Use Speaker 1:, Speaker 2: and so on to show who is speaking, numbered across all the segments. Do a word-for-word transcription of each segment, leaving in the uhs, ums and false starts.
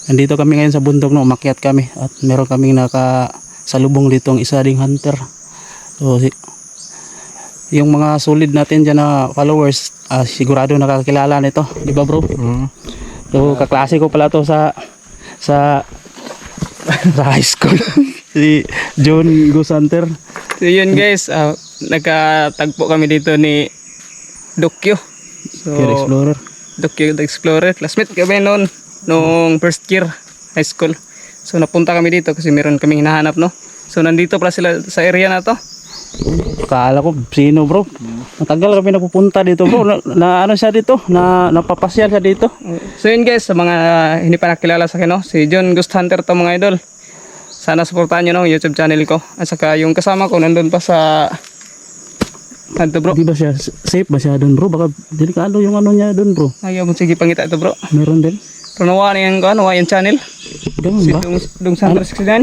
Speaker 1: Nandito kami ngayon sa bundok, no, umakyat kami at meron kaming nakasalubong dito ang isa ding hunter. So si, yung mga solid natin dyan na followers, uh, sigurado nakakilala nito, di ba bro?
Speaker 2: Mm.
Speaker 1: So kaklase ko pala to sa sa sa high school. Si John Ghost Hunter.
Speaker 3: So yun guys, uh, nagkatagpo kami dito ni Dokyo. So,
Speaker 1: Here Explorer.
Speaker 3: Dokyo the Explorer. Classmate kami noon, nung first year high school. So napunta kami dito kasi meron kaming hinahanap, no? So nandito pala sila sa area na to.
Speaker 1: Kala ko sino bro. Matagal kami napupunta dito bro. Na, na ano siya dito? Na napapasyal siya dito.
Speaker 3: So yun guys, sa mga hindi pa nakilala sa akin, no? Si John Ghost Hunter to mga idol. Sana supportahan nyo no, YouTube channel ko. At saka yung kasama ko nandun pa sa ano bro.
Speaker 1: Di ba siya safe ba siya doon bro? Baka delikado yung ano niya doon bro.
Speaker 3: Ayaw mo sige pangita ito bro.
Speaker 1: Meron din.
Speaker 3: Pero nawa na yung, ano, yung channel.
Speaker 1: Ganun
Speaker 3: Si
Speaker 1: ba?
Speaker 3: Dong, Dong Hunter sixty-nine.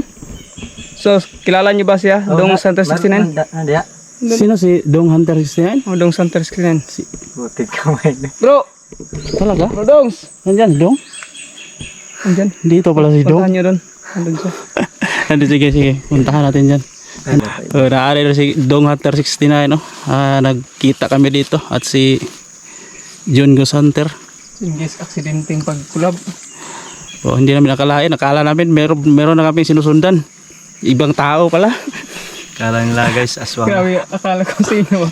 Speaker 3: So kilala nyo ba siya? Dong Hunter sixty-nine?
Speaker 2: Nandiya.
Speaker 1: Sino si Dong Hunter sixty-nine?
Speaker 3: O Dong Hunter sixty-nine.
Speaker 1: Si,
Speaker 2: Butit kamay na.
Speaker 3: Bro!
Speaker 1: talaga?
Speaker 3: Bro Dongs!
Speaker 1: Nandyan Dong?
Speaker 3: Andyan.
Speaker 1: Dito pala si Dong.
Speaker 3: Puntahan nyo doon. Andun siya.
Speaker 1: Nandito, sige sige. Puntahan natin dyan. Uh, naari na si Dong Hunter sixty-nine, no? Ah, nagkita kami dito at si John Ghost Hunter.
Speaker 3: Yung guys, aksidenteng pagkulab.
Speaker 1: Oh, hindi namin nakalain. Nakala namin meron meron na kami sinusundan. Ibang tao pala.
Speaker 2: Kala nila guys, aswang.
Speaker 3: Grabe, akala ko sino.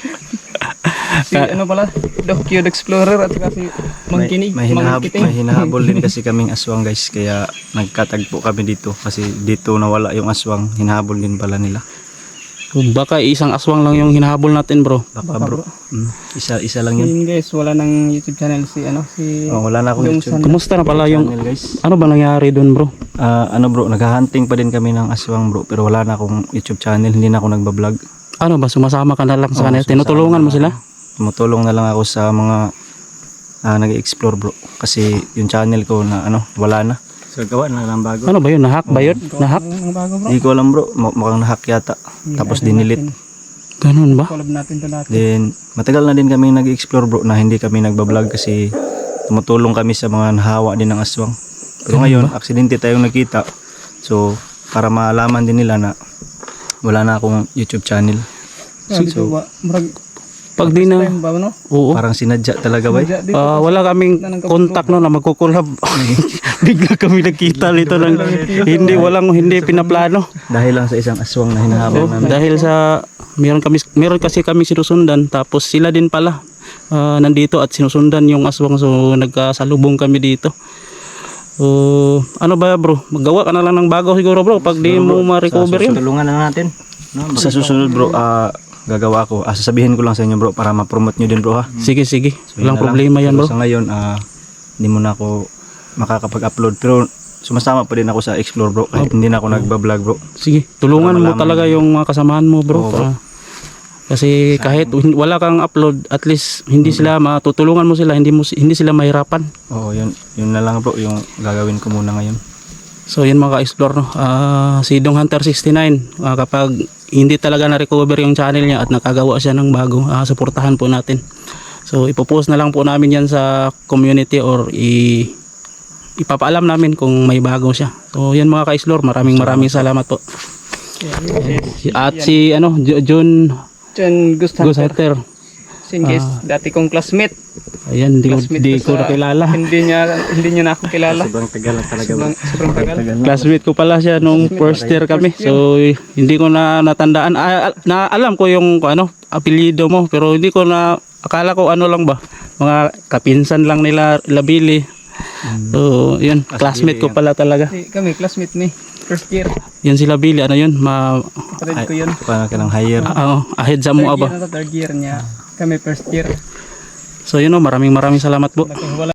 Speaker 3: Si ano pala, Dokyo the Explorer at saka si Mangkinig.
Speaker 2: May, may, hinahab,
Speaker 3: Mangkiting.
Speaker 2: may hinahabol din kasi kaming aswang guys. Kaya nagkatagpo kami dito. Kasi dito nawala yung aswang. Hinahabol din pala nila.
Speaker 1: Baka isang aswang lang yung hinahabol natin bro.
Speaker 2: Baka
Speaker 3: Baka,
Speaker 2: bro.
Speaker 3: bro.
Speaker 2: Mm, isa, isa lang yun.
Speaker 3: Yun guys, wala nang YouTube channel si ano si
Speaker 2: Oh, wala na akong
Speaker 3: Dong
Speaker 2: YouTube
Speaker 3: Hunter.
Speaker 1: Kumusta na pala yung
Speaker 2: channel guys.
Speaker 1: ano ba nangyari doon bro?
Speaker 2: Ah, ano bro, naghahunting pa din kami ng aswang bro. Pero wala na akong YouTube channel. Hindi na ako nagbablog.
Speaker 1: Ano ba, sumasama ka na lang sa
Speaker 2: Oo,
Speaker 1: kanila?
Speaker 2: sumasama
Speaker 1: Tinutulungan mo
Speaker 2: na
Speaker 1: sila?
Speaker 2: ako. Tumutulong na lang ako sa mga ah, nag-explore bro. Kasi yung channel ko na ano, wala na. So gawa na lang bago.
Speaker 1: Ano ba yun? Nahack ba yun? Nahack?
Speaker 3: Ang bago bro.
Speaker 2: Hindi ko alam bro, Mu- mukhang nahack yata. Tapos dinilit.
Speaker 1: Ganun ba?
Speaker 3: Collab natin to natin.
Speaker 2: Then matagal na din kami nag-explore bro na hindi kami nagbablog kasi tumutulong kami sa mga nahawa din ng aswang. Pero ngayon, aksidente tayong nakita. So para malaman din nila na wala na akong YouTube channel.
Speaker 3: Grabe to ba? Murag
Speaker 1: Pag di na,
Speaker 3: time ba no?
Speaker 1: oo.
Speaker 2: Parang sinadya talaga ba?
Speaker 3: Dito.
Speaker 1: Ah, wala kaming contact no na magkukulab. Bigla kami nagkita nito ng hindi walang hindi pinaplano.
Speaker 2: Dahil lang sa isang aswang na hinahabol
Speaker 1: Oh,
Speaker 2: namin.
Speaker 1: dahil sa meron kami meron kasi kami sinusundan tapos sila din pala ah, nandito at sinusundan yung aswang so nagkasalubong kami dito. So, ano ba bro? Maggawa ka na lang ng bago siguro bro pag di mo ma-recover yun.
Speaker 2: Tulungan na natin. No, sa susunod bro, ah, gagawa ko. Ah, sasabihin ko lang sa inyo bro para ma-promote nyo din bro ha.
Speaker 1: Sige sige.
Speaker 2: So, yun
Speaker 1: Walang
Speaker 2: na lang.
Speaker 1: problema yan
Speaker 2: Pero
Speaker 1: bro.
Speaker 2: sa ngayon, ah, hindi mo na ako makakapag-upload. Pero sumasama pa din ako sa Explore bro. Kahit hindi na ako nagbablog bro.
Speaker 1: Sige, tulungan
Speaker 2: Para
Speaker 1: mo
Speaker 2: malaman
Speaker 1: talaga
Speaker 2: nila.
Speaker 1: yung mga kasamahan mo bro.
Speaker 2: Oo, bro.
Speaker 1: Para- kasi kahit hin- wala kang upload, at least hindi sila matutulungan mo sila, hindi mo si- hindi sila mahirapan.
Speaker 2: Oo, yun, yun na lang bro yung gagawin ko muna ngayon.
Speaker 1: So yun mga ka-explore no. Ah, si Dong Hunter sixty-nine, ah, kapag hindi talaga na-recover yung channel niya at nakagawa siya ng bago, ah, suportahan po natin. So ipopost na lang po namin yan sa community or i ipapaalam namin kung may bago siya. So yan mga ka-explore, maraming maraming salamat po. Si- At si ano Jo- John
Speaker 3: John Ghost
Speaker 1: Ghost
Speaker 3: Hunter.
Speaker 1: Hunter.
Speaker 3: Sin guys, dati kong classmate.
Speaker 1: Ayan, hindi ko,
Speaker 3: Classmate
Speaker 1: di ko
Speaker 3: ko sa-
Speaker 1: nakilala.
Speaker 3: Hindi niya hindi niya na ako kilala.
Speaker 2: Sobrang tagal na talaga bro.
Speaker 3: Sobrang, sobrang tagal.
Speaker 1: Classmate ko pala siya nung first year kami. So hindi ko na natandaan. Ah, al- na alam ko yung ano, apelyido mo pero hindi ko na akala ko ano lang ba. Mga kapinsan lang nila Labili. So, yun, classmate ko pala talaga.
Speaker 3: Si, kami classmate ni first year.
Speaker 1: Yun si Labili, ano yun? Ma
Speaker 3: Kapatid ko yun.
Speaker 2: Paano ka ng higher?
Speaker 1: ah, oh, ahead sa
Speaker 3: Third
Speaker 1: mo
Speaker 3: year
Speaker 1: ba.
Speaker 3: na to, third year niya. Kami first year.
Speaker 1: So, yun oh, maraming maraming salamat po.
Speaker 3: Wala